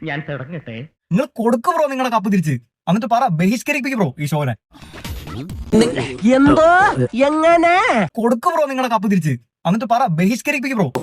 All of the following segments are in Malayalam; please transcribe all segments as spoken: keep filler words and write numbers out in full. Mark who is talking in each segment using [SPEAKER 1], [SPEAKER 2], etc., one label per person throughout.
[SPEAKER 1] ഞാൻ തുടങ്ങട്ടെ.
[SPEAKER 2] നിങ്ങൾ കൊടുക്കു ബ്രോ നിങ്ങളുടെ കപ്പ് തിരിച്ച്, എന്നിട്ട് പറ ബഹിഷ്കരിപ്പിക്കും ബ്രോ ഈ ഷോനെ.
[SPEAKER 3] എന്തോ എങ്ങനെ
[SPEAKER 2] കൊടുക്കു ബ്രോ നിങ്ങളുടെ കപ്പ് തിരിച്ച്, എന്നിട്ട് പറ ബഹിഷ്കരിപ്പിക്കും ബ്രോ.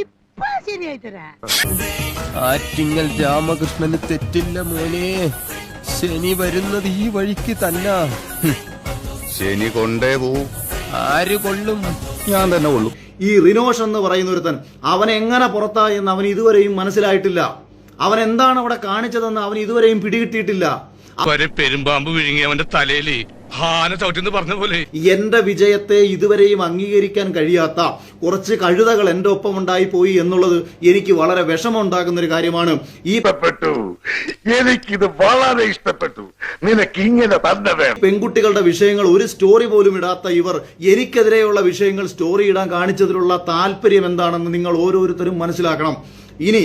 [SPEAKER 4] ആറ്റിങ്ങൽ രാമകൃഷ്ണന് തെറ്റില്ല മോനെ. ശനി വരുന്നത് ഈ വഴിക്ക് തന്നെ.
[SPEAKER 5] ശനി കൊണ്ടേ പോവും.
[SPEAKER 4] ആര് കൊള്ളും?
[SPEAKER 5] ഞാൻ തന്നെ കൊള്ളും.
[SPEAKER 6] ഈ റിനോഷ് എന്ന് പറയുന്ന ഒരുത്തൻ അവൻ എങ്ങനെ പുറത്തായി എന്ന് അവൻ ഇതുവരെയും മനസ്സിലായിട്ടില്ല. അവൻ എന്താണ് അവിടെ കാണിച്ചതെന്ന് അവൻ ഇതുവരെയും പിടികിട്ടിയിട്ടില്ല.
[SPEAKER 7] പെരുമ്പാമ്പ് വിഴുങ്ങി അവന്റെ തലയില് ഹാന ചവിട്ടിന്ന് പറഞ്ഞ പോലെ
[SPEAKER 6] എന്റെ വിജയത്തെ ഇതുവരെയും അംഗീകരിക്കാൻ കഴിയാത്ത കുറച്ച് കഴുതകൾ എന്റെ ഒപ്പം ഉണ്ടായി പോയി എന്നുള്ളത് എനിക്ക് വളരെ വിഷമമുണ്ടാക്കുന്ന ഒരു കാര്യമാണ്. ഈ
[SPEAKER 7] എനിക്കിത് വളരെ ഇഷ്ടപ്പെട്ടു. നിനക്ക് ഇങ്ങനെ തന്നെ വേണം.
[SPEAKER 6] പെൺകുട്ടികളുടെ വിഷയങ്ങൾ ഒരു സ്റ്റോറി പോലും ഇടാത്ത ഇവർ എനിക്കെതിരെയുള്ള വിഷയങ്ങൾ സ്റ്റോറി ഇടാൻ കാണിച്ചതിലുള്ള താല്പര്യം എന്താണെന്ന് നിങ്ങൾ ഓരോരുത്തരും മനസ്സിലാക്കണം. ഇനി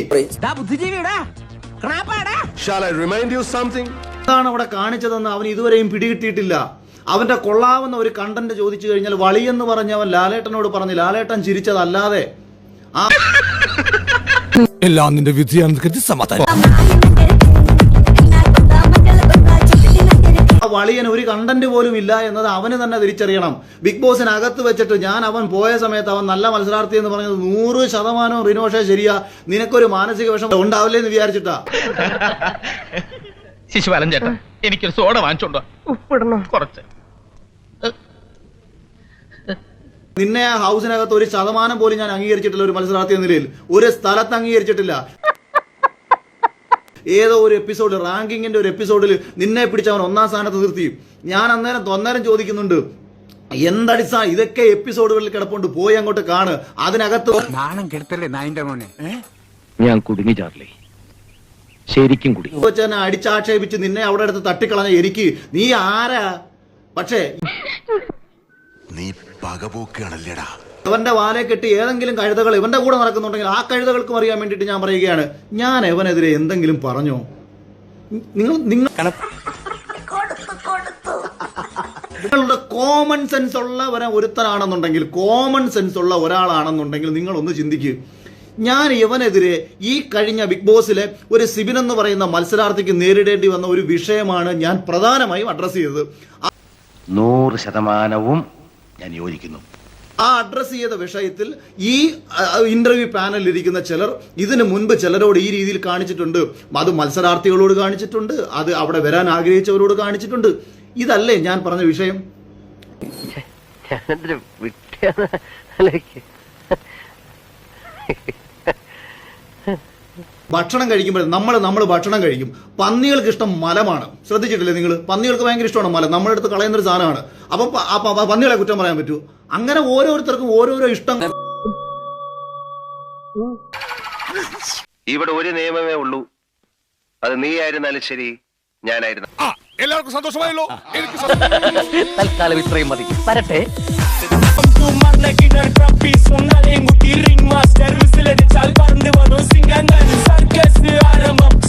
[SPEAKER 6] എന്താണ് അവിടെ കാണിച്ചതെന്ന് അവൻ ഇതുവരെയും പിടികിട്ടിയിട്ടില്ല. അവന്റെ കൊള്ളാവുന്ന ഒരു കണ്ടന്റ് ചോദിച്ചു കഴിഞ്ഞാൽ വളിയെന്ന് പറഞ്ഞ് അവൻ ലാലേട്ടനോട് പറഞ്ഞു. ലാലേട്ടൻ ചിരിച്ചതല്ലാതെ ആ
[SPEAKER 4] എല്ലാം നിന്റെ വിധിയാണെന്ന് സമാധാനം.
[SPEAKER 6] ആ വളിയൻ ഒരു കണ്ടന്റ് പോലും ഇല്ല എന്നത് അവന് തന്നെ തിരിച്ചറിയണം. ബിഗ് ബോസിനകത്ത് വെച്ചിട്ട് ഞാൻ അവൻ പോയ സമയത്ത് അവൻ നല്ല മത്സരാർത്ഥി എന്ന് പറഞ്ഞത് നൂറ് ശതമാനം റിനോഷേ ശരിയാ. നിനക്കൊരു മാനസിക വിഷമം ഉണ്ടാവില്ലേ എന്ന് വിചാരിച്ചിട്ടാ.
[SPEAKER 1] ശിശുപാലൻ ചേട്ടൻ എനിക്കൊരു സോഡ വാങ്ങിച്ചോണ്ടോ. ഉപ്പിടണോ? കുറച്ച്.
[SPEAKER 6] നിന്നെ ആ ഹൗസിനകത്ത് ഒരു ശതമാനം പോലും ഞാൻ അംഗീകരിച്ചിട്ടില്ല. ഒരു മത്സരാർത്ഥി എന്ന നിലയിൽ ഒരു സ്ഥലത്ത് അംഗീകരിച്ചിട്ടില്ല. ഏതോ ഒരു എപ്പിസോഡ് റാങ്കിങ്ങിന്റെ ഒരു എപ്പിസോഡിൽ നിന്നെ പിടിച്ച് അവൻ ഒന്നാം സ്ഥാനത്ത് നിർത്തി. ഞാൻ അന്നേരം തൊന്നേരം ചോദിക്കുന്നുണ്ട്, എന്തടിസ്ഥാ ഇതൊക്കെ എപ്പിസോഡുകളിൽ കിടപ്പുണ്ട്, പോയി അങ്ങോട്ട് കാണ്. അതിനകത്ത്
[SPEAKER 1] ഞാൻ കുടുങ്ങി ചാർലി, ശരിക്കും കുടി
[SPEAKER 6] വെച്ചെന്നെ അടിച്ചാക്ഷേപിച്ച് നിന്നെ അവിടെ അടുത്ത് തട്ടിക്കളഞ്ഞ എനിക്ക് നീ ആരാ? പക്ഷേ
[SPEAKER 5] നീ പകപോക്കാണല്ലേടാ.
[SPEAKER 6] അവന്റെ വാലെ കെട്ടി ഏതെങ്കിലും കഴുതകൾ ഇവന്റെ കൂടെ നടക്കുന്നുണ്ടെങ്കിൽ ആ കഴുതകൾക്കും അറിയാൻ വേണ്ടിയിട്ട് ഞാൻ പറയുകയാണ്, ഞാൻ എവനെതിരെ എന്തെങ്കിലും പറഞ്ഞോ? നിങ്ങൾ നിങ്ങൾ നിങ്ങളുടെ കോമൺ സെൻസ് ഉള്ള ഒരുത്തനാണെന്നുണ്ടെങ്കിൽ കോമൺ സെൻസ് ഉള്ള ഒരാളാണെന്നുണ്ടെങ്കിൽ നിങ്ങൾ ഒന്ന് ചിന്തിക്കുക. ഞാൻ ഇവനെതിരെ ഈ കഴിഞ്ഞ ബിഗ് ബോസിലെ ഒരു സിബിൻ എന്ന് പറയുന്ന മത്സരാർത്ഥിക്ക് നേരിടേണ്ടി വന്ന ഒരു വിഷയമാണ് ഞാൻ പ്രധാനമായും അഡ്രസ് ചെയ്തത്.
[SPEAKER 8] നൂറ് ശതമാനവും ഞാൻ യോജിക്കുന്നു.
[SPEAKER 6] ആ അഡ്രസ് ചെയ്ത വിഷയത്തിൽ ഈ ഇന്റർവ്യൂ പാനലിൽ ഇരിക്കുന്ന ചിലർ ഇതിനു മുൻപ് ചിലരോട് ഈ രീതിയിൽ കാണിച്ചിട്ടുണ്ട്. അത് മത്സരാർത്ഥികളോട് കാണിച്ചിട്ടുണ്ട്, അത് അവിടെ വരാൻ ആഗ്രഹിച്ചവരോട് കാണിച്ചിട്ടുണ്ട്. ഇതല്ലേ ഞാൻ പറഞ്ഞ വിഷയം? ഭക്ഷണം കഴിക്കുമ്പോൾ നമ്മൾ നമ്മൾ ഭക്ഷണം കഴിക്കും. പന്നികൾക്ക് ഇഷ്ടം മലമാണ്. ശ്രദ്ധിച്ചിട്ടില്ലേ നിങ്ങൾ? പന്നികൾക്ക് ഭയങ്കര ഇഷ്ടമാണ് മലം. നമ്മുടെ അടുത്ത് കളയുന്നൊരു സാധനമാണ്. അപ്പം പന്നികളെ കുറ്റം പറയാൻ പറ്റൂ? അങ്ങനെ ഓരോരുത്തർക്കും ഓരോരോ ഇഷ്ടം.
[SPEAKER 8] ഇവിടെ ഒരു നിയമമേ ഉള്ളൂ, അത് നീ ആയിരുന്നാലും ശരി, ഞാനായിരുന്നു.
[SPEAKER 4] എല്ലാവർക്കും സന്തോഷമായല്ലോ. എനിക്ക്
[SPEAKER 3] തൽക്കാലം ഇത്രയും മതി. വരട്ടെ.
[SPEAKER 9] ring master, whistle at the child, band the one who sing and dance, circus,